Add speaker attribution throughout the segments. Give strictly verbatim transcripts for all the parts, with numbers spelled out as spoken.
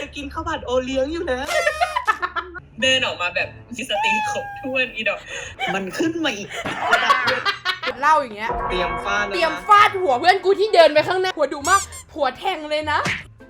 Speaker 1: กินข้าวผัดโอเลี้ยงอยู่นะเดินออกมาแบบมีสติครบถ้วนอีดอกมันขึ้นมาอีก
Speaker 2: เล่าอย่างเงี้ย
Speaker 1: เตรียมฟาด
Speaker 2: เตรียมฟาดหัวเพื่อนกูที่เดินไปข้างหน้าหัวดุมากหัวแทงเลยนะ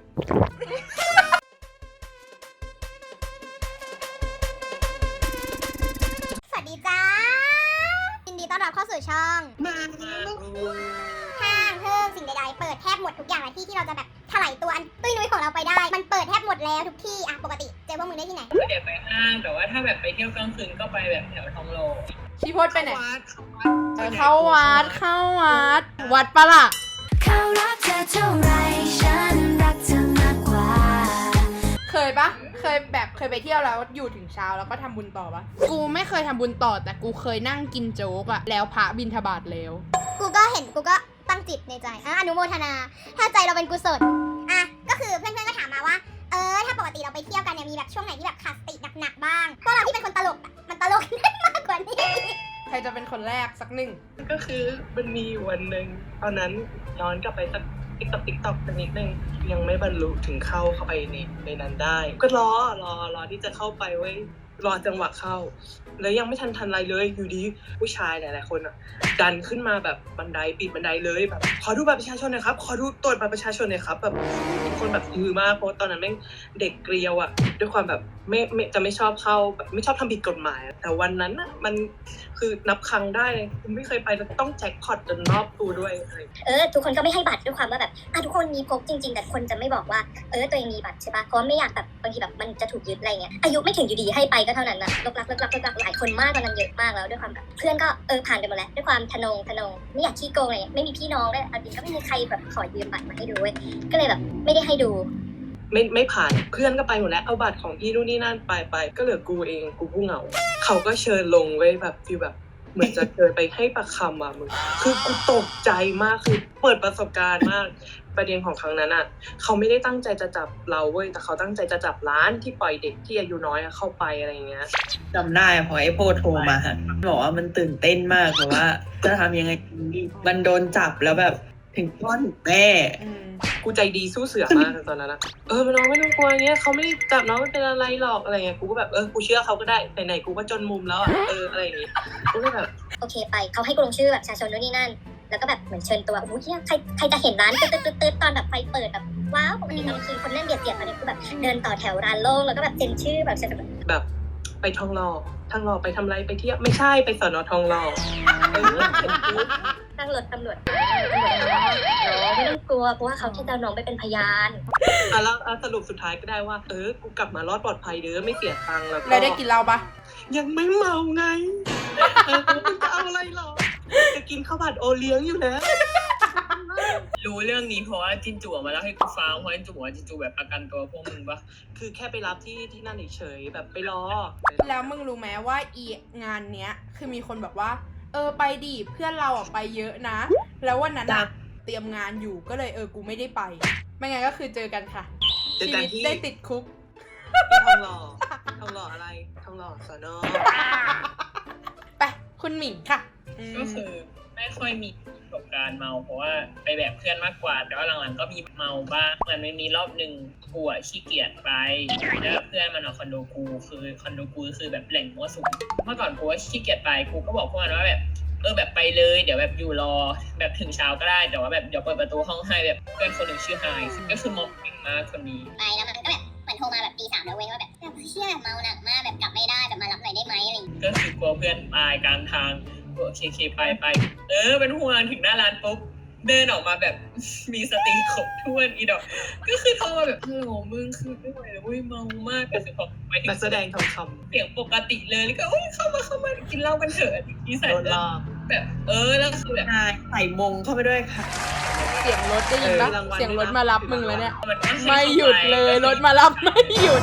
Speaker 3: สวัสดีจ้ายินดีต้อนรับเข้าสู่ช่อง
Speaker 1: มา
Speaker 3: ห้างเพิ่มสิ่งใดๆเปิดแทบหมดทุกอย่างและที่ที่เราจะแบบถลายตัวอันตุ้ยนุ้ยของเราไปได้มันเปิดแทบหมดแล้วทุกที่อะปกติเจอพวกมึงได้ที่ไหน
Speaker 4: ก็เดี๋ยวไปห้างแต่ว่าถ้าแบบไปเที่ยวกลางคืนก็ไปแบบแถวทองหล่อ
Speaker 2: ชีพจน์ไปไหนเข้าวัดเข้าวัดวัดปะล่ะเขารักเธอเท่าไรฉันรักเธอมากกว่าเคยปะเคยแบบเคยไปเที่ยวแล้วอยู่ถึงเช้าแล้วก็ทำบุญต่อปะกูไม่เคยทำบุญต่อแต่กูเคยนั่งกินโจ๊กอะแล้วพระบิณฑบาตแล้ว
Speaker 3: กูก็เห็นกูก็ตั้งจิตในใจอ่ะอนุโมทนาถ้าใจเราเป็นกุศลอ่ะก็คือเพื่อนๆก็ถามมาว่าเออถ้าปกติเราไปเที่ยวกันเนี่ยมีแบบช่วงไหนที่แบบขาดสติหนักๆบ้างพวกเราที่เป็นคนตลกมันตลกได้มากกว่านี้
Speaker 2: ใครจะเป็นคนแรกสักหนึ่ง
Speaker 1: ก็คือมันมีวันหนึ่งตอนนั้นย้อนกลับไปสักติ๊กต็อกติ๊กต็อกสักนิดนึงยังไม่บรรลุถึงเข้าเข้าไปในในนั้นได้ก็รอรอรอที่จะเข้าไปเว้ยรอจังหวะเข้าแล้วยังไม่ทันทันอะไรเลยอยู่ดีผู้ชายหลายๆคนอ่ะดันขึ้นมาแบบบันไดปิดบันไดเลยแบบขอดูบัตรประชาชนหน่อยครับขอดูตรวจบัตรประชาชนหน่อยครับแบบทุกคนแบบฮือมากเพราะตอนนั้นแม่งเด็กเกลียวอ่ะด้วยความแบบไม่ไม่จะไม่ชอบเข้าแบบไม่ชอบทำผิดกฎหมายแต่วันนั้นอ่ะมันคือนับครั้งได้เลยคุณไม่เคยไปแล้วต้องแจ็คพอตจนรอบตัวด้วย
Speaker 3: เออทุกคนก็ไม่ให้บัตรด้วยความว่าแบบอ่ะทุกคนมีพกจริงๆแต่คนจะไม่บอกว่าเออตัวเองมีบัตรใช่ปะเพราะไม่อยากแบบบางทีแบบมันจะถูกยึดอะไรเงี้ยอายุไม่ถึงอยู่ดีให้ไปก็เท่านั้นนะลกลักลกลักลกลักหลายคนมากตอนนั้นเยอะมากแล้วด้วยความแบบเพื่อนก็เออผ่านกันหมดแล้วด้วยความทะนงทะนงไม่อยากขี้โกงอะไรไม่มีพี่น้องด้วยเอาจริงก็ไม่มีใครแบบขอยืมบัตรมาให้ดูเว้ยก็เลยแบบไม่ได้ให้ดู
Speaker 1: ไม่ไม่ผ่านเพื่อนก็ไปหมดแล้วเอาบัตรของพี่นู่นนี่นั่นไปไปก็เหลือกูเองกูผู้เหงาเขาก็เชิญลงไว้แบบฟีลแบบเหมือนจะเชิญไปให้ปากคำอ่ะมึงคือกูตกใจมากคือเปิดประสบการณ์มากประเด็นของครั้งนั้นอ่ะเขาไม่ได้ตั้งใจจะจับเราเว้ยแต่เขาตั้งใจจะจับร้านที่ปล่อยเด็กที่อายุน้อยเข้าไปอะไรอย่างเงี้ย
Speaker 5: จำได้พอไอ้โพโทรมาบอกว่ามันตื่นเต้นมากแต่ว่าจะทำยังไงมันโดนจับแล้วแบบถึงพ่อถึงแม่
Speaker 1: กูใจดีสู้เสือมากตอนนั้นนะเออน้องไม่ต้องกลัวเงี้ยเขาไม่จับน้องไม่เป็นอะไรหรอกอะไรเงี้ยกูก็แบบเออกูเชื่อเขาก็ได้ไหนๆกูก็จนมุมแล้วอ่ะเอออะไรอย่างงี้กูก็แบบ
Speaker 3: โอเคไปเขาให้กูลงชื่อแบบประชาชนนู่นนี่นั่นแล้วก็แบบเหมือนเชิญตัวโอ้โหที่ใครใครจะเห็นร้านตึ๊ดตึ๊ดตึ๊ดตอนแบบไฟเปิดแบบว้าวปกติตอนคืนคนเล่นเบียดเบียดมาเนี่ยกูแบบเดินต่อแถวร้านโล่งแล้วก็แบบเซ็นชื่อแบบเซ็น
Speaker 1: แบบไปทองหล่อทองหล่อไปทำไรไปเที่ยวไม่ใช่ไปสอนอทองหล่อเออเห็นกู
Speaker 3: นั่งรถตำรวจตำรวจน้องไม่ต้องกลัวเพราะว่าเขาแค่จะน้องไปเป็นพยาน
Speaker 1: อ่ะแล้วสรุปสุดท้ายก็ได้ว่าเออกูกลับมารอดปลอดภัยเด้อไม่เสียตังค์แล้วก็
Speaker 2: ได้กินเหล้าปะ
Speaker 1: ยังไม่เมาไงเออกูจะเอาอะไรหรอจะกินข้าวผัดโอเลี้ยงอยู่นะ
Speaker 4: รู้เรื่องนี้เพราะว่าจินจูมาแล้วให้กูฟังเพราะจินจูบอกว่าจินจูแบบประกันตัวพวกมึงปะ
Speaker 1: คือแค่ไปรับที่ที่นั่นเฉยๆแบบไปรอ
Speaker 2: แล้วมึงรู้ไหมว่าอีงานเนี้ยคือมีคนบอกว่าเออไปดิเพื่อนเราอ่ะไปเยอะนะแล้ววันนั้นเตรียมงานอยู่ก็เลยเออกูไม่ได้ไปไม่งั้นก็คือเจอกันค่ะชีวิตได้ติดคุก
Speaker 1: ที่ทองหล่อทองหล่ออะไรทองหล่อสนอ
Speaker 2: ไปคุณหมิงค่ะ
Speaker 4: ก็คือไม่ค่อยมีประสบการณ์เมาเพราะว่าไปแบบเพื่อนมากกว่าแต่ว่าหลังๆก็มีเมาบ้างมันไม่มีรอบหนึ่งกูอ่ะขี้เกียจไปแล้วเพื่อนมันเอาคอนโดกูคือคอนโดกูคือแบบแหล่งมั่วสุมเมื่อก่อนกูว่าขี้เกียจไปกูก็บอกพวกมันว่าแบบเออแบบไปเลยเดี๋ยวแบบอยู่รอแบบถึงเช้าก็ได้แต่ว่าแบบเดี๋ยวเปิดประตูห้องให้แบบเพื่อนคนหนึ่งชื่อไฮก็คือมองเก่งมากคนนี้
Speaker 3: ไปแล้วมันก็แบบเหมือนโทรมาแบบตีสามแล้วเว้ยว่าแบบเชี่ยเมาหนักมากแบบกลับไม่ได้แบบมารับหน่อยได้ไหมอะไร
Speaker 4: ก็คือกลัวเพื่อนตายกลางทางโอเคเคไปไปเออเป็นห่วงถึงหน้าร้านปุ๊บเดินออกมาแบบมีสติครบถ้วนอีดอกก็คือโทรมาแบบโอ้โหมึงคือไม่ไหวเลยอุ้ยเมามากแต่คือพอไปถึง
Speaker 1: แสดงทองค
Speaker 4: ำเสียงปกติเลยแล้วก็อุ้ยเข้ามาเข้ามากินเหล้ากันเถอะอีใส่แบบเออแล้วคือแบบ
Speaker 5: ใส่มงเข้าไปด้วยค่ะ
Speaker 2: เสียงรถได้ยินปะเสียงรถมารับมึงแล้วเนี่ยไม่หยุดเลยรถมารับไม่หยุด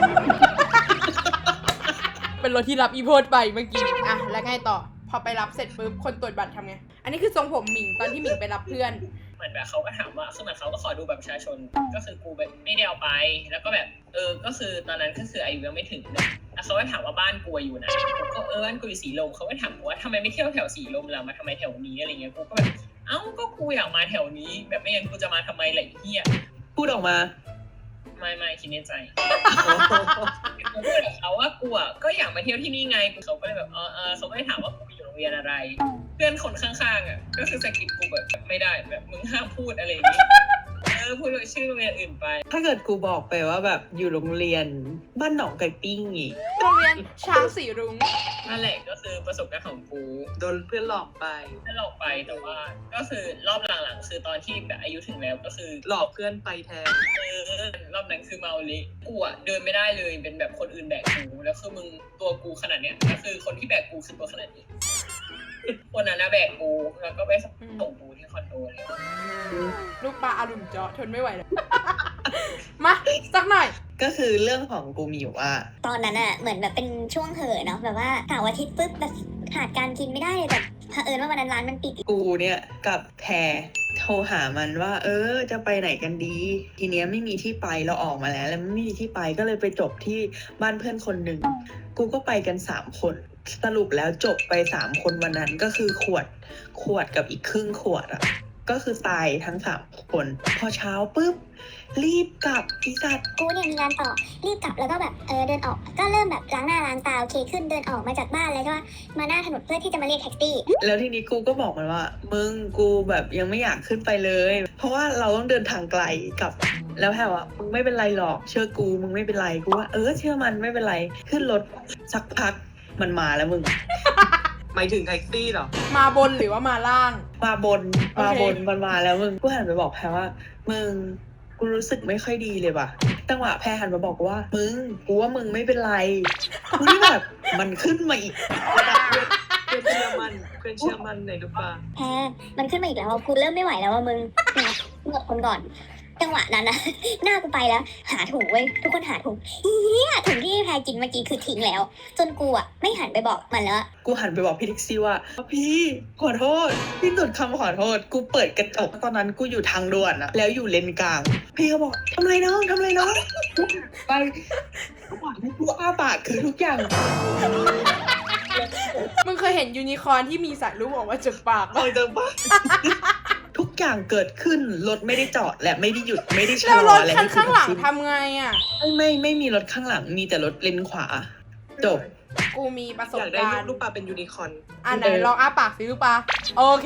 Speaker 2: เป็นรถที่รับอีโพดไปเมื่อกี้อ่ะแล้วไงต่อพอไปรับเสร็จปุ๊บคนตรวจบัตรทำไงอันนี้คือทรงผมหมิงตอนที่หมิงไปรับเพื่อน
Speaker 4: เหมือนแบบเขาก็ถามว่าคือเหมือนเขาก็ขอดูบัตรประชาชนก็คือกูแบบไม่ได้เอาไปแล้วก็แบบเออก็คือตอนนั้นก็คืออายุยังไม่ถึงเลยแล้วเขาก็ถามว่าบ้านกูอยู่ไหนก็เออบ้านกูอยู่สีลมเขาก็ถามกูว่าทำไมไม่เที่ยวแถวสีลมล่ะมาทำไมแถวนี้อะไรเงี้ยกูก็แบบเอ้าก็กูอยากมาแถวนี้แบบไม่งั้นกูจะมาทำไมล่ะไอ้เหี้ย
Speaker 5: พูดออกมา
Speaker 4: ไม่ไม่คิดในใจเขาพูดกับเขาว่ากูอ่ะก็อยากมาเที่ยวที่นี่ไงเขาก็เลยแบบเออเออเขาก็เลยถามว่ากูอยู่โรงเรียนอะไรเพื่อนคนข้างๆอ่ะก็คือสกิปกูแบบไม่ได้แบบมึงห้ามพูดอะไรอย่างงี้เออพูดชื่อโรงเรียนอื่นไป
Speaker 5: ถ้าเกิดกูบอกไปว่าแบบอยู่โรงเรียนบ้านหนองไก่ปิ้งอีก
Speaker 2: โรงเรียนช้างสีรุ้ง
Speaker 4: นั่นแหละก็คือประสบการณ์ของกู
Speaker 1: โดนเพื่อนหลอกไป
Speaker 4: ไม่หลอกไปแต่ว่าก็คือรอบหลังๆคือตอนที่แบบอายุถึงแล้วก็คือ
Speaker 1: หลอกเพื่อนไปแทน
Speaker 4: เออรอบนั้นคือเมาเละกูอ่ะเดินไม่ได้เลยเป็นแบบคนอื่นแบกกูแล้วคือมึงตัวกูขนาดเนี้ยก็คือคนที่แบกกูคือตัวขนาดนี้คนนั้นนะแบกกูแล้วก็ไปส่งกูที่คอนโดเลย
Speaker 2: ลูกปลาอารุมเจาะทนไม่ไหวแล้ว มาสักหน่อย
Speaker 5: ก็คือเรื่องของกูมีอยู่ว่า
Speaker 3: ตอนนั้นอะเหมือนแบบเป็นช่วงเห่อเนาะแบบว่าเสาร์อาทิตย์ปุ๊บแบบขาดการกินไม่ได้เลยแบบเผอิญว่าวันนั้นร้านมันปิด
Speaker 5: กูเนี่ยกับแพรโทรหามันว่า เออจะไปไหนกันดี ทีเนี้ยไม่มีที่ไปเราออกมาแล้ว แล้วไม่มีที่ไปก็เลยไปจบที่บ้านเพื่อนคนหนึ่งกูก็ไปกันสามคนสรุปแล้วจบไปสามคนวันนั้นก็คือขวดขวดกับอีกครึ่งขวดอ่ะก็คือตายทั้งสามคนพอเช้าปุ๊บรีบกลับอีสัตว์
Speaker 3: กูเนี่ยมีงานต่อรีบกลับแล้วก็แบบเออเดินออกก็เริ่มแบบล้างหน้าล้างตาโอเคขึ้นเดินออกมาจากบ้านแล้วก็มาหน้าถนนเพื่อที่จะมาเรียกแท็กซี่
Speaker 5: แล้วทีนี้กูก็บอกมันว่ามึงกูแบบยังไม่อยากขึ้นไปเลย เพราะว่าเราต้องเดินทางไกลกับแล้วแพรว่ามึงไม่เป็นไรหรอกเชื่อกูมึงไม่เป็นไรกูว่าเออเชื่อมันไม่เป็นไรขึ้นรถสักพักมันมาแล้วมึง
Speaker 1: หมายถึงแท็กซี่เหรอ
Speaker 2: มาบนหรือว่ามาล่าง
Speaker 5: มาบน
Speaker 2: โอเค
Speaker 5: มาบนมันมาแล้วมึงกูหันไปบอกแพรว่ามึงกูรู้สึกไม่ค่อยดีเลยว่ะจังหวะแพรหันมาบอกว่ามึงกูว่ามึงไม่เป็นไรกูนี่แบบมันขึ้นมาอีก
Speaker 1: เพื่อนเชื่อมันเพื่อนเชื่อมันในลูกปลา
Speaker 3: แพรมันขึ้นมาอีกแล้วอะกูเริ่มไม่ไหวแล้วว่ามึงนะหมดคนก่อน จังหวะนั้นนะ หน้ากูไปแล้ว หาถุงเว้ยทุกคนหาถุงเฮียถุงที่แพรกินเมื่อกี้คือทิ้งแล้ว จนกูอ่ะไม่หันไปบอกมันแล้ว
Speaker 5: กูหันไปบอกพี่แท็กซี่ว่าพี่ขอโทษพี่ตุดคำขอโทษกูเปิดกระจกตอนนั้นกูอยู่ทางด่วนอะแล้วอยู่เลนกลางพี่เขาบอกทำไรน้องทำไรน้องไปกูอ้าปากคือทุกอย่าง
Speaker 2: มึงเคยเห็นยูนิคอร์นที่มีสายลูกออกมาจากปาก
Speaker 1: เอา
Speaker 2: ปะ
Speaker 1: เดิมปะ
Speaker 5: ทุกอย่างเกิดขึ้นรถไม่ได้จอดและไม่ได้หยุดไม่ได้ชะ
Speaker 2: แล้ว
Speaker 5: ล
Speaker 2: ร
Speaker 5: อ
Speaker 2: ถ
Speaker 5: อะไร
Speaker 2: คันข้างหลัง
Speaker 5: ทั้สิ้น
Speaker 2: ทำไงอ่ะ
Speaker 5: ไม่ไม่ไม่มีรถข้างหลังมีแต่รถเลนขวาจบ
Speaker 2: กูมีประส
Speaker 1: อบ ยากได้
Speaker 2: การณ์
Speaker 1: ลูกปลาเป็นยูนิคอร์น
Speaker 2: อ่ะไหนลองอ้าปากสิลูกปลาโอเค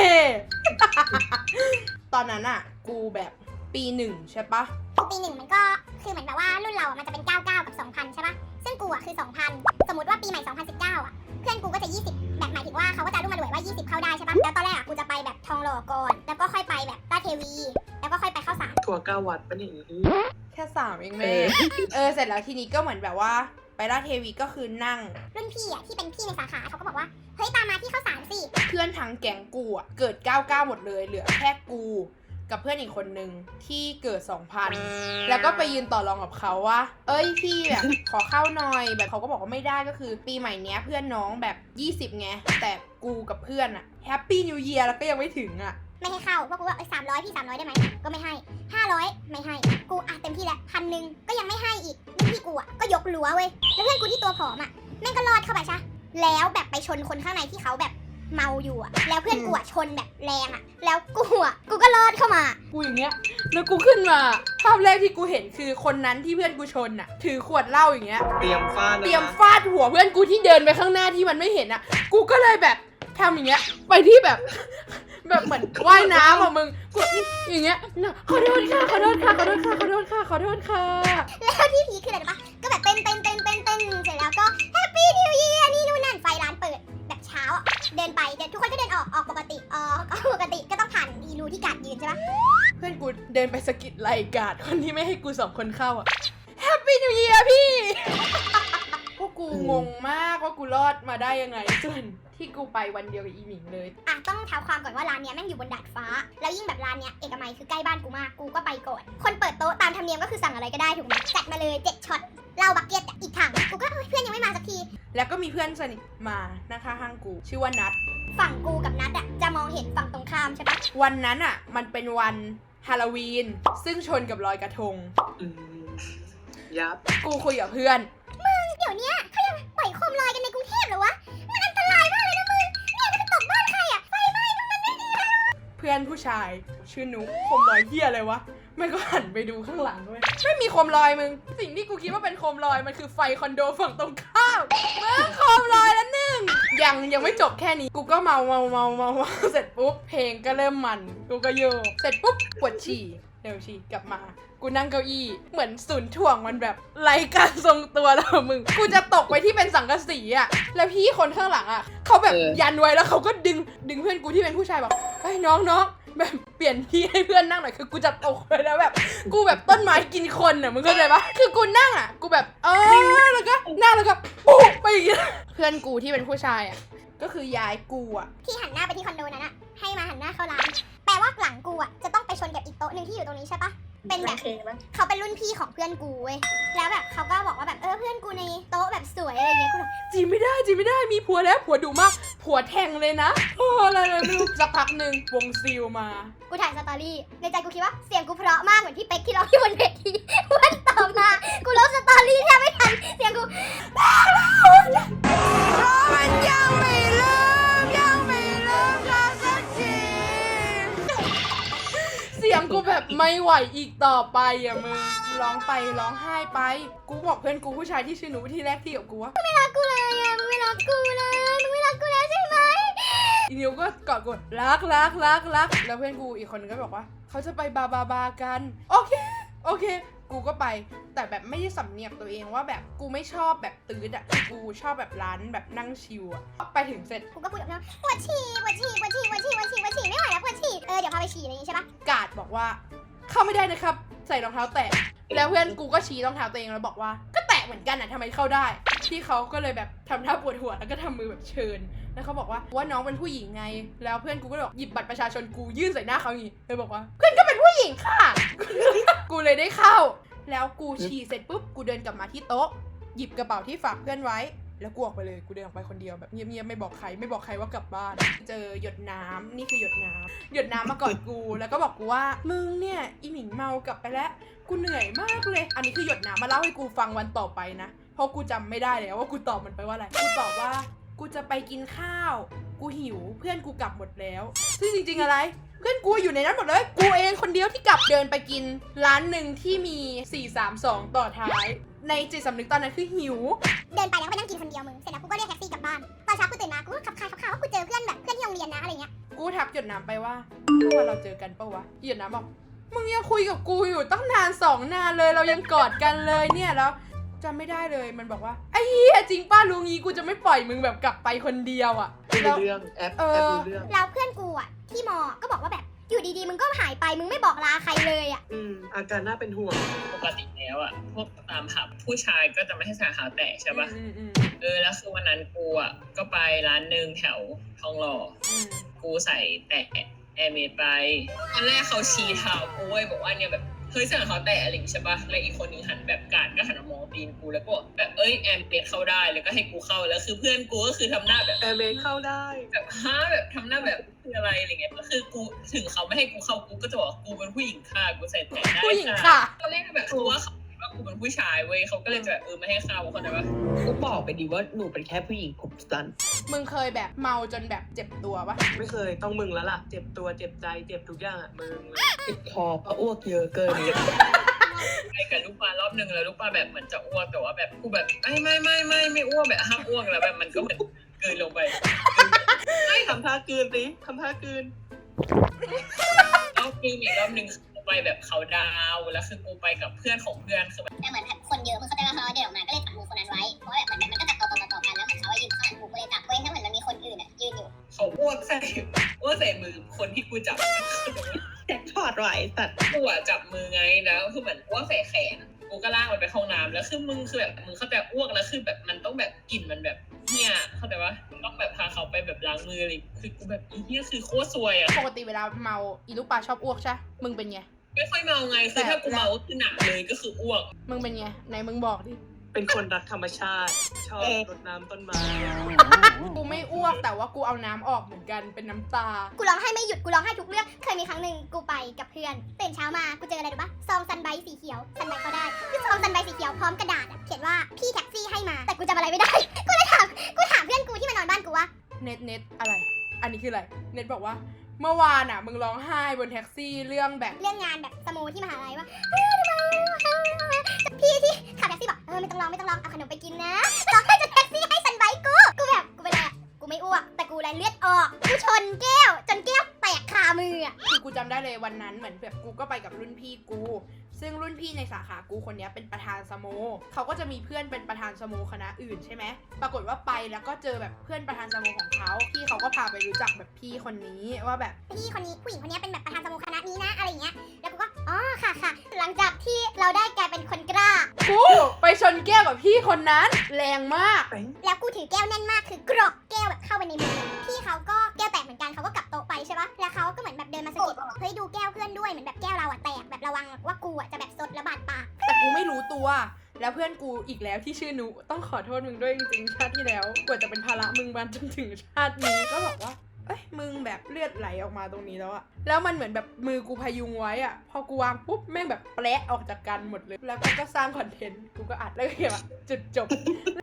Speaker 2: ตอนนั้นอ่ะ กูแบบปีหนึ่งใช่ปะ
Speaker 3: ปีหนึ่งมันก็คือเหมือนแบบว่ารุ่นเราอะมันจะเป็นเก้าสิบเก้ากับสองพันใช่ปะซึ่งกูอ่ะคือสองพันสมมติว่าปีใหม่สองพันสิบเก้าอ่ะเพื่อนกูก็จะยี่สิบแบบหมายถึงว่าเขาก็จะรุ่นมาด้วยว่ายี่สิบเข้าได้ใช่ปะแล้วตอนแรกอ่ะกูจะไปแบบทองหล่อก่อนแล้วก็ค่อยไปแบบลาดเทวี แล้วก็ค่อยไปเข้าสาร
Speaker 1: ถั่วเก้าวัดปะนี่
Speaker 2: แค่สามเองแม่เออเสร็จแล้วทีนี้ก็เหมือนแบบว่า ไปราชเทวีก็คือนั่ง
Speaker 3: รุ่นพี่อ่ะที่เป็นพี่ในสาขาเขาก็บอกว่าเฮ้ยตามมาที่เข้าสารสิ
Speaker 2: เพื่อนทั้งแก๊งกูอ่ะเกิดเก้าสิบเก้าหมดเลยเหลือแค่กูกับเพื่อนอีกคนนึงที่เกิด สองพัน แล้วก็ไปยืนต่อรองกับเขาว่า เอ้ยพี่แบบ ขอเข้าหน่อยแบบเขาก็บอกว่าไม่ได้ก็คือปีใหม่เนี้ยเพื่อนน้องแบบยี่สิบไงแต่กูกับเพื่อนอะแฮปปี้นิวเยียร์แล้วก็ยังไม่ถึงอะ
Speaker 3: ไม่ให้เข้าเพราะกูว่าเอ้ยสามร้อยพี่สามร้อยได้ไหมก็ไม่ให้ห้าร้อยไม่ให้กูอ่ะเต็มที่แล้วพันหนึ่งก็ยังไม่ให้อีกรุ่นพี่กูอ่ะก็ยกรั้วเว้ยแล้วเพื่อนกูที่ตัวผอมอ่ะแม่งก็รอดเข้าไปใช่แล้วแบบไปชนคนข้างในที่เขาแบบเมาอยู่อ่ะแล้วเพื่อนกูอ่ะชนแบบแรงอ่ะแล้วกูอ่ะกูก็รอดเข้ามา
Speaker 2: กูอย่างเงี้ยแล้วกูขึ้นมาภาพแรกที่กูเห็นคือคนนั้นที่เพื่อนกูชนอะถือขวดเหล้าอย่างเงี้ย
Speaker 1: เตรียมฟาด
Speaker 2: เตรียมฟาดหัวเพื่อนกูที่เดินไปข้างหน้าที่มันไม่เห็นอะกูก็เลยแบบทำอย่างเงี้ยไปที่แบบ แบบเหมือนว่ายน้ำอะมึงกูอย่างเงี้ยขอโทษค่ะขอโทษค่ะขอโทษค่ะขอโทษค่ะขอโทษค่ะ
Speaker 3: แล้วที่พีคคืออะไรรู้ปะก็แบบเต้นเต้นเต้นเต้นเต้นเสร็จแล้วก็แฮปปี้นิวเยียร์นี่นู่นนั่นไฟร้านเปิดแบบเช้าอ่ะเดินไปเดินทุกคนก็เดินออกออกปกติออกออกปกติก็ต้องผ่านอีรูที่กาดยืนใช่ปะ
Speaker 2: เพื่อนกูเดินไปสะกิดไหล่กาดคนที่ไม่ให้กูสองคนเข้าอะแฮปปี้นิวเยียร์พี่ พวกกูงงมากว่ากูรอดมาได้ยังไงส่วนที่กูไปวันเดียวกับอีหมิงเลย
Speaker 3: อ่ะต้องเท้าความก่อนว่าร้านเนี้ยแม่งอยู่บนดาดฟ้า แล้วยิ่งแบบร้านเนี้ยเอกมัยคือใกล้บ้านกูมากกูก็ไปก่อนคนเปิดโต๊ะตามธรรมเนียมก็คือสั่งอะไรก็ได้ถูกไหมจัดมาเลยเจ็ดช็อตเหล้าบักเก็ตอะอีกถังกูก็เฮ้ยเพื่อนยังไม่มาสักที
Speaker 2: แล้วก็มีเพื่อนสนิทมานะคะข้างกู ชื่อว่านัท
Speaker 3: ฝั่งกูกับนัดอะจะมองเห็นฝั่งตรงข้ามใช่ปะ
Speaker 2: วันนั้นอ่ะ มันเป็นวันฮาโลวีนซึ่งชนกับลอยกระทง
Speaker 1: อืมยับ
Speaker 2: กูคุยกับเพื่อน
Speaker 3: เดี๋ยวเนี้ยเขายังปล่อยโคมลอยกันในกรุงเทพเหรอวะมันอันตรายมากเลยนะมึงเนี่ยจะไปตกบ้านใครอะไฟไหม้มันมันไม่ดี
Speaker 2: เพื่อนผู้ชายชื่อนุ๊กคมลอยเฮียอะไรวะมันก็หันไปดูข้างหลังด้วยไม่มีโคมลอยมึงสิ่งที่กูคิดว่าเป็นโคมลอยมันคือไฟคอนโดฝั่งตรงข้ามมึงโคมลอยแล้วหนึ่งยังยังไม่จบแค่นี้กูก็เมาเมาเมาเมาเมาเสร็จปุ๊บเพลงก็เริ่มมันกูก็โยกเสร็จปุ๊บปวดฉี่เร็วฉี่กลับมากูนั่งเก้าอี้เหมือนศูนย์ถ่วงมันแบบไร้การทรงตัวแล้วมึงกูจะตกไปที่เป็นสังกะสีอ่ะแล้วพี่คนข้างหลังอ่ะเขาแบบยันไว้แล้วเขาก็ดึงดึงเพื่อนกูที่เป็นผู้ชายบอกเฮ้ยน้องน้องแบบเปลี่ยนที่ให้เพื่อนนั่งหน่อยคือกูจะตกเลยแล้วแบบกูแบบต้นไม้กินคนอ่ะมึงเข้าใจปะคือกูนั่งอ่ะกูแบบเออแล้วก็นั่งแล้วก็ปุ๊บไปอย่างเงี้ยเพื่อนกูที่เป็นผู้ชายอ่ะก็คือย้ายกูอ่ะ
Speaker 3: ที่หันหน้าไปที่คอนโดนั้นอะให้มาหันหน้าเข้าร้านแปลว่าหลังกูอะจะต้องไปชนกับอีกโต๊ะหนึ่งที่อยู่ตรงนี้ใช่ปะเป็นแบบเขาเป็นรุ่นพี่ของเพื่อนกูเว้ยแล้วแบบเขาก็บอกว่าแบบเออเพื่อนกูในโต๊ะแบบสวยอะไรเงี้ยกูแบบ
Speaker 2: จีบไม่ได้จีบไม่ได้มีผัวแล้วผัวดุมากผัวแทงเลยนะโอ้อะไรเลยไม่รู้สักพักหนึ่งวงซิลมา
Speaker 3: กูถ่ายสตอรี่ในใจกูคิดว่าเสียงกูเพราะมากเหมือนที่เป๊กที่ร้องที่บนเวทีวันต่อมากูลบสตอรี่แทบไม่ทันเสียงกูมันยังไม่เลิกยังไม่เลิกกันสักที
Speaker 2: เสียงกูแบบไม่ไหวอีกต่อไปอ่ะมึงร้องไปร้องไห้ไปกูบอกเพื่อนกูผู้ชายที่ชื่อหนูที่แรกที่กับกูว่า
Speaker 3: ไม่รักกูเลยอะมึงไม่รักกูเลยมึงไม่รักกูแล้วใช่ไหม
Speaker 2: อีนิวก็กอดกดรักรักรักรักแล้วเพื่อนกูอีกคนนึงก็บอกว่าเขาจะไปบาบาบากันโอเคโอเคกูก็ไปแต่แบบไม่ได้สำเนียกตัวเองว่าแบบกูไม่ชอบแบบตื้ดอะกูชอบแบบร้านแบบนั่งชิลอะไปถึงเสร็จ
Speaker 3: กูก็พูดแบบนั้นปวดฉี่ปวดฉี่ปวดฉี่ปวดฉี่ปวดฉี่ปวดฉี่ไม่ไหวแล้วปวดฉี่เออเดี๋ยวพาไปฉี่อะไรอย่างงี้ใช่ปะ
Speaker 2: กาดบอกว่าเข้าไม่ได้นะครับใส่รองเท้าแตะแล้วเพื่อนกูก็ชี้รองเท้าตัวเองแล้วบอกว่าก็แตะเหมือนกันนะทำไมเข้าได้ที่เขาก็เลยแบบทำท่าปวดหัวแล้วก็ทำมือแบบเชิญแล้วเขาบอกว่าว่าน้องเป็นผู้หญิงไงแล้วเพื่อนกูก็บอกหยิบบัตรประชาชนกูยื่นใส่หน้าเขาอย่างงี้เลยบอกว่าเพื่อนก็เป็นผู้หญิงค่ะ กูเลยได้เข้าแล้วกูฉี่เสร็จปุ๊บกูเดินกลับมาที่โต๊ะหยิบกระเป๋าที่ฝากเพื่อนไว้แล้วกูออกไปเลยกูเดินออกไปคนเดียวแบบเงียบๆไม่บอกใครไม่บอกใครว่ากลับบ้านเจอหยดน้ำนี่คือหยดน้ำหยดน้ำมาก่อนกูแล้วก็บอกกูว่ามึงเนี่ยอีหมิงเมากลับไปแล้วกูเหนื่อยมากเลยอันนี้คือหยดน้ำมาเล่าให้กูฟังวันต่อไปนะเพราะกูจำไม่ได้แล้วว่ากูตอบมันไปว่าอะไรกูตอบว่ากูจะไปกินข้าวกูหิวเพื่อนกูกลับหมดแล้วซึ่งจริงๆอะไรเพื่อนกูอยู่ในนั้นหมดเลยกูเองคนเดียวที่กลับเดินไปกินร้านหนึ่งที่มีสี่ สาม สองต่อท้ายในจิตสำนึกตอนนั้นคือหิว
Speaker 3: เดินไปแล้วก็ไปนั่งกินคนเดียวมึงเสร็จแล้วกูก็เรียกแท็กซี่กลับบ้านตอนเช้ากูตื่นมากูก็ขับคายขับคายว่ากูเจอเพื่อนแบบเพื่อนที่โรงเรียนนะอะไรเงี้ย
Speaker 2: กูทักหยดน้ำไปว่าเมื่อวานเราเจอกันปะวะหยดน้ำบอกมึงยังคุยกับกูอยู่ตั้งนานสองนานเลยเรายังกอดกันเลยเนี่ยแล้วจำไม่ได้เลยมันบอกว่าไอ้เหี้ยจริงป้ารู้งี้กูจะไม่ปล่อยมึงแบบกลับไปคนเดียวอ่ะ
Speaker 1: ไม่
Speaker 2: แล้
Speaker 1: รู้
Speaker 2: ว
Speaker 1: เรื่องแอป
Speaker 2: เออ
Speaker 1: แอปรู้เรื่อง
Speaker 3: แล้วเพื่อนกูอ่ะที่มอก็บอกว่าแบบอยู่ดีๆมึงก็หายไปมึงไม่บอกลาใครเลยอ่ะ
Speaker 1: อืมอาการน่าเป็นห่วง
Speaker 4: ปกติแล้วอ่ะพวกตามผับผู้ชายก็จะไม่ให้ใส่รองเท้าแตะใช่ปะ
Speaker 2: อืมอืม
Speaker 4: เออแล้วคือวันนั้นกูอ่ะก็ไปร้านหนึ่งแถวทองหล่อ
Speaker 2: อืม
Speaker 4: กูใส่แตะแอร์เมดไปตอนแรกเขาชี้เท้ากูเว้ยบอกว่าเนี่ยแบบเฮ้ยใส่รองเท้าแตะอะไรอย่างงี้ใช่ปะแล้วอีกคนนึงหันแบบกาดก็หันมามองตีนกูแล้วก็แบบเอ้ยแอร์เมดเข้าได้แล้วก็ให้กูเข้าแล้วคือเพื่อนกูก็คือทำหน้าแบบ
Speaker 1: แอร์เมนเข้าได้
Speaker 4: แบบฮะแบบทำหน้าแบบคืออะไรอะไรเงี้ยก็คือกูถึงเขาไม่ให้กูเข้ากูก็จะบอกกูเป็นผู้หญิงค่ะกูใส่แตะได้
Speaker 2: ผู้หญิงค่ะ
Speaker 4: ตอนแรกแบบกูว่าเขาว่ากูเป็นผู้ชายเว้ยเขาก็เลยจะแบบเออไม่ให้เข้าคนไหนวะ
Speaker 5: ก็บอกไปดีว่าหนูเป็นแค่ผู้หญิงผมสั้น
Speaker 2: มึงเคยแบบเมาจนแบบเจ็บตัวปะ
Speaker 1: ไม่เคยต้องมึงแล้วล่ะ เจ็บตัวเจ็บใจเจ็บทุกอย่างอ่ะมึงเลย
Speaker 5: ติดคอเพราะอ้วกเยอะเกินเลย
Speaker 4: ไปกับลูกปลารอบนึงแล้วลูกปลาแบบเหมือนจะอ้วกแต่ว่าแบบกูแบบไม่ไม่ไม่ไม่ไม่อ้วกแบบห้ามอ้วกแล้วแบบมันก็เหมือนเกินลงไป
Speaker 1: ไม่ทำท่ากืนสิทำท่ากืน
Speaker 4: แล้วคืออีกรอบนึงกูไปแบบเขาดาวน์แล้วคือกูไปกับเพื่อนของเพื่อนคือแบบ
Speaker 3: แต่เหมือนแบบคนเยอะมึงเข้าใจว่าเขาเดินออกมาก็เลยจับมือคนนั้นไว้เพราะแบบเหมือนมันก็จับต่อต่อต่อกันแล้วเหมือนเขายืนข้างหลังกูก็เลยจับเว้ยถ้าเหมือนมันมีคนอื่นอ่ะยืนอยู่
Speaker 4: เขาอ้วกใส่อ้วกใส่มือคนที่กูจับ
Speaker 5: แจ็คพอตไหวสัตว์
Speaker 4: กูอะจับมือไงแล้วคือเหมือนอ้วกใส่แขนกูก็ลากมันไปห้องน้ำแล้วคือมึงคือแบบมึงเข้าใจอ้วกแล้วคือแบบมันต้องแบบกลิ่นมันแบบเหี้ยเข้าใจปะต้องแบบพาเขาไปแบบล้างมืออะไรคือกูแบบอีเหี้ยคือโคตรซวยอะ
Speaker 2: ปกติเวลาเมาอีลูกปลาชอบอ้วกใช่มึงเป็นไง
Speaker 4: ไม่ค่อยเมาไงคือถ้ากูเมาก็คือหนักเลยก็คืออ้วก
Speaker 2: มึงเป็นไงไหนมึงบอกดิ
Speaker 1: เป็นคนรักธรรมชาติ ชอบรดน้ำต้นไม้
Speaker 2: กูไม่อ้วกแต่ว่ากูเอาน้ำออกเหมือนกันเป็นน้ำตา
Speaker 3: กูร้องไห้ไม่หยุดกูร้องไห้ทุกเรื่องเคยมีครั้งหนึ่งกูไปกับเพื่อนตื่นเช้ามากูเจออะไรรู้ปะซองซันไบต์สีเขียวซันไบต์เขาได้คือซองซันไบต์สีเขียวพร้อมกระดาษอะเขียนว่าพี่แท็กซี่ให้มาแต่กูจำอะไรไม่ได้ กูเลยถามกูถามเพื่อนกูที่มานอนบ้านกูว่า
Speaker 2: เน็ตเน็ตอะไร อันนี้คืออะไร เน็ตบอกว่าเมื่อวานอ่ะมึงร้องไห้บนแท็กซี่เรื่องแบบ
Speaker 3: เรื่องงานแบบสโมที่มหาลัยว่าเออทำไมพี่ที่ขับแท็กซี่บอกเออไม่ต้องร้องไม่ต้องร้องเอาขนมไปกินนะร้องให้จนแท็กซี่ให้ซันไบค์กูกูแบบกูเป็นไรอะกูไม่อ้วกแต่กูแลเลือดออกกูชนแก้วจนแก้วแตกคามืออะ
Speaker 2: คือกูจำได้เลยวันนั้นเหมือนแบบกูก็ไปกับรุ่นพี่กู ซึ่งรุ่นพี่ในสาขากูคนนี้เป็นประธานสโมเขาก็จะมีเพื่อนเป็นประธานสโมคณะอื่นใช่ไหมปรากฏว่าไปแล้วก็เจอแบบเพื่อนประธานสโมของเขาพี่เขาก็พาไปรู้จักแบบพี่คนนี้ว่าแบบ
Speaker 3: พี่คนนี้ผู้หญิงคนนี้เป็นแบบประธานสโมคณะนี้นะอะไรอย่างเงี้ยแล้วกูก็อ๋อค่ะค่ะหลังจากที่เราได้กลายเป็นคนกล้า
Speaker 2: กูไปชนแก้วกับพี่คนนั้นแรงมาก
Speaker 3: แล้วกูถือแก้วแน่นมากคือกรอกแก้วแบบเข้าไปในมือพี่เขาก็แก้วแตกเหมือนกันเขาก็กลับโต๊ะไปใช่ปะแล้วเขาก็เหมือนแบบเดินมาสะกิดเฮ้ยดูแก้วเพื่อนด้วยเหมือนแบบแก้วเราอะแตกแบบระวังว่ากูอะจะแบบซดแล้วบาดปาก
Speaker 2: แต่กูไม่รู้ตัวแล้วเพื่อนกูอีกแล้วที่ชื่อนุต้องขอโทษมึงด้วยจริงๆชาติที่แล้วกว่าจะเป็นภาระมึงมาจนถึงชาตินี้ก็บอกว่าเอ้ยมึงแบบเลือดไหลออกมาตรงนี้แล้วอะแล้วมันเหมือนแบบมือกูพยุงไว้อะพอกูวางปุ๊บแม่งแบบแปะออกจากกันหมดเลยแล้วกูก็สร้างคอนเทนต์กูก็อัดแล้วก็เขียนว่าจุดจบ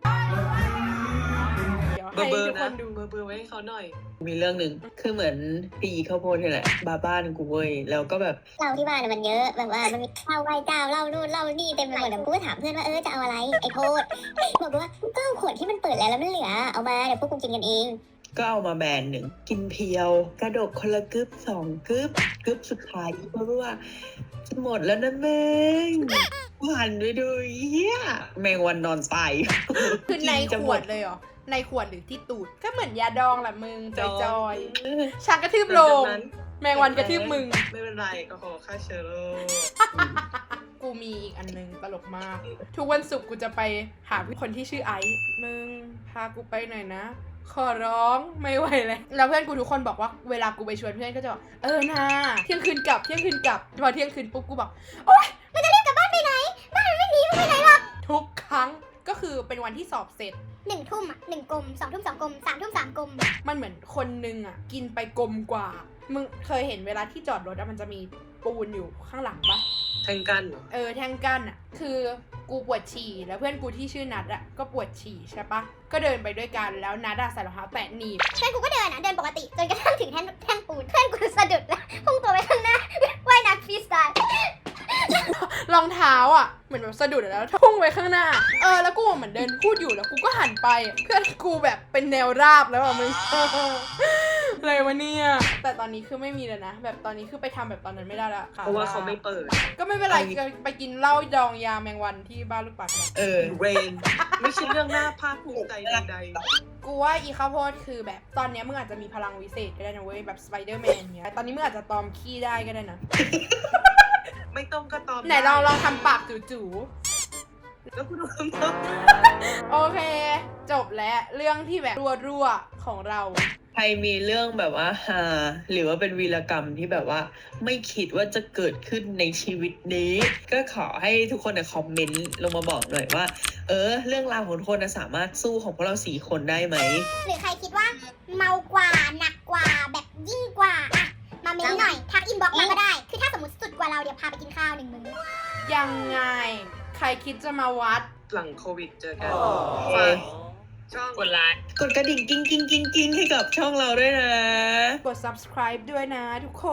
Speaker 2: เดี๋ยว
Speaker 1: เบอ
Speaker 2: ให้
Speaker 1: ร์เบอ
Speaker 2: ทุ
Speaker 1: ร์
Speaker 2: กค
Speaker 1: นะ
Speaker 2: นดู
Speaker 1: เบอร์เบอร์ไว้ให้เขาหน่อย
Speaker 5: มีเรื่องหนึ่งคือเหมือนปีข้าวโพดนี่แหละบาบ้านกูเว้ยแล้วก็แบบ
Speaker 3: เราที่บ้านมันเยอะแบบว่ามันมีข้าวไหว้เจ้าเหล้านู่นเหล้านี่เต็มไปหมดแล้วกูก็ถามเพื่อนว่าเออจะเอาอะไรไอ้โพดบอกว่าก็เอาขวดที่มันเปิดแล้วแล้วมันเหลือเอามาเดี๋ยวพวกกูกินกันเอง
Speaker 5: ก็เอามาแบรนด์หนึ่งกินเพียว กระดกคนละกึบสองกึบกึบสุดท้ายเพราะว่าจะหมดแล้วนะแม่งผ่านไปดูเฮียแมงวันนอนตาย
Speaker 2: คือใน
Speaker 5: จะ
Speaker 2: ข
Speaker 5: หม
Speaker 2: ว
Speaker 5: ด
Speaker 2: ดเลยเหรอในขวดหรือที่ตูดก็เหมือนยาดองแหละมึงจ
Speaker 1: ดอง
Speaker 2: อยๆช้างกระทืบโลง
Speaker 1: หลังจากนั้น
Speaker 2: แมงวันกระทืบมึง
Speaker 1: ไม่เป็นไรก็ขอค่าเชื้อโรค
Speaker 2: กูมีอีกอันนึงตลกมาก ทุกวันศุกร์กูจะไปหาคนที่ชื่อไอซ์มึงพากูไปหน่อยนะ ขอร้องไม่ไหวเลยแล้วเพื่อนกูทุกคนบอกว่าเวลากูไปชวนเพื่อนก็จะบอกเออนาเที่ยงคืนกลับเที่ยงคืนกลับพอเที่ยงคืนปุ๊บกูบอกโอ๊ยมันจะรีบกลับบ้านไปไหนบ้านมันไม่หนีมันไปไหนหรอกทุกครั้งก็คือเป็นวันที่สอบเสร็จ
Speaker 3: หนึ่งทุ่มอ่ะหนึ่งกลมสองทุ่มสองกลมสามทุ่มสามกลม
Speaker 2: มันเหมือนคนนึงอ่ะกินไปกลมกว่ามึงเคยเห็นเวลาที่จอดรถอะมันจะมีปูนอยู่ข้างหลังปะ
Speaker 1: แทงกันเหรอ
Speaker 2: เออแทงกันอ่ะคือกูปวดฉี่แล้วเพื่อนกูที่ชื่อนัดอ่ะก็ปวดฉี่ใช่ปะก็เดินไปด้วยกันแล้วนัดอะใส่รองเท้าแตะหนีบ
Speaker 3: เพื่อนกูก็เดินอ่ะเดินปกติจนกระทั่งถึงแท่นแท่นปูนเพื่อนกูสะดุดแล้วพุ่งตัวไปข้างหน้าว่ายน้ำฟรีสไตล์
Speaker 2: รองเท้าอ่ะเหมือนแบบสะดุดแล้วพุ่งไปข้างหน้าเออแล้วกูเหมือนเดินพูดอยู่แล้วกูก็หันไปเพื่อนกูแบบเป็นแนวราบแล้วอ่ะมึง อะไรวะเนี่ยแต่ตอนนี้คือไม่มีแล้วนะแบบตอนนี้คือไปทำแบบตอนนั้นไม่ได้ละ
Speaker 1: เพราะว่าเขาไม่เปิด
Speaker 2: ก็ไม่เป็นไรไปกินเหล้าดองยาแมงวันที่บ้านลูกปัดนะ
Speaker 5: เออ
Speaker 1: เรน ไม่ใช่เรื่องน่าภาคภูมิใจใด
Speaker 2: กูว่าอีข้าวโพดคือแบบตอนเนี้ยมึงอาจจะมีพลังวิเศษก็ได้นะเว้ยแบบสไปเดอร์แมนเนี้ยตอนนี้มึงอาจจะตอมขี้ได้ก็ได้นะ
Speaker 1: ๆไม่ต้องก็ตอบ
Speaker 2: ไหนลองลองทำปากจู่
Speaker 1: แล้วคุณดูคำตอบ
Speaker 2: ๆโอเค จบแล้วเรื่องที่แบบรั่วๆของเรา
Speaker 5: ใครมีเรื่องแบบว่าฮาหรือว่าเป็นวีรกรรมที่แบบว่า ไม่คิดว่าจะเกิดขึ้นในชีวิตนี้ ก็ขอให้ทุกคนในคอมเมนต์ลงมาบอกหน่อยว่า เออ เรื่องราวของทุกคนน่ะสามารถสู้ของพวกเราสี่คนได้ไหม
Speaker 3: หรือใครคิดว่าเมากว่าหนักกว่าแบบยิ่งกว่าอะมาเม้นหน่อยทักอินบ็อกซ์มาก็ได้ คือถ้าสมมติสุดกว่าเราเดี๋ยวพาไปกินข้าวหนึ่งมื้อ
Speaker 2: ยังไง ใครคิดจะมาวัด
Speaker 1: หลังโควิดเจอกัน
Speaker 5: เอ
Speaker 1: ฝาก
Speaker 5: อ
Speaker 1: ช่อง
Speaker 4: กดไลค์
Speaker 5: กดกระดิ่งกิ้งกิ้งกิ้งกิ้งให้กับช่องเราด้วยนะ
Speaker 2: กด subscribe ด้วยนะทุกคน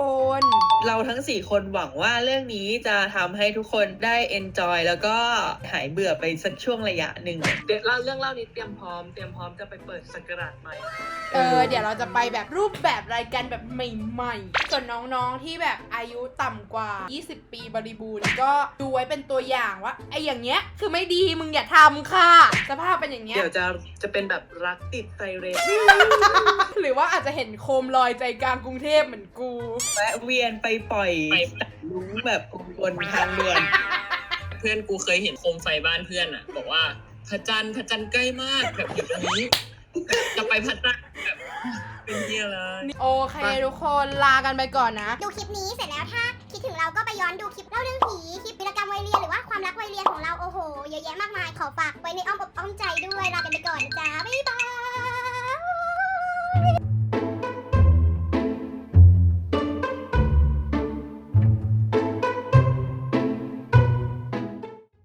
Speaker 5: เราทั้งสี่คนหวังว่าเรื่องนี้จะทำให้ทุกคนได้ enjoy แล้วก็หายเบื่อไปสักช่วงระยะหนึ่ง
Speaker 1: เดี๋ยวเล่าเรื่องเล่านี้เตรียมพร้อม เตรียมพร้อมจะไปเปิดสักราชใหม่
Speaker 2: เออเดี๋ยวเราจะไปแบบรูปแบบรายการแบบใหม่ๆส่วนน้องๆที่แบบอายุต่ำกว่ายี่สิบปีบริบูรณ์ก็ดูไว้เป็นตัวอย่างว่าไอ้อย่างเงี้ยคือไม่ดีมึงอย่าทำค่ะสภาพเป็นอย่างเงี้ย
Speaker 1: เดี๋ยวจะจะเป็นแบบรักติดไซเรน
Speaker 2: หรือว่าอาจจะเห็นโคมลอยใจกลางกรุงเทพเหมือนกู
Speaker 5: แวะเวียนไปปล่อย
Speaker 4: ไป
Speaker 5: ลุงแบบบนทางเดือน
Speaker 4: เพื่อนกูเคยเห็นโคมไฟบ้านเพื่อนอ่ะ บอกว่าพระจันทร์พระจันทร์ใกล้มากแบบอยู่ตรงนี้ จะไปพระจันทร์แบบเป็นเที่ยอะไร
Speaker 2: โอเคทุกคนลากันไปก่อนนะ
Speaker 3: ดูคลิปนี้เสร็จแล้วถ้าคิดถึงเราก็ไปย้อนดูคลิปเล่าเรื่องผี คลิปวีรกรรมวัยเรียนหรือว่าความรักวัยเรียนของเราโอ้โห เยอะแยะมากมายขอฝากไว้ในอ้อมอกอ้อมใจด้วยลากันไปก่อน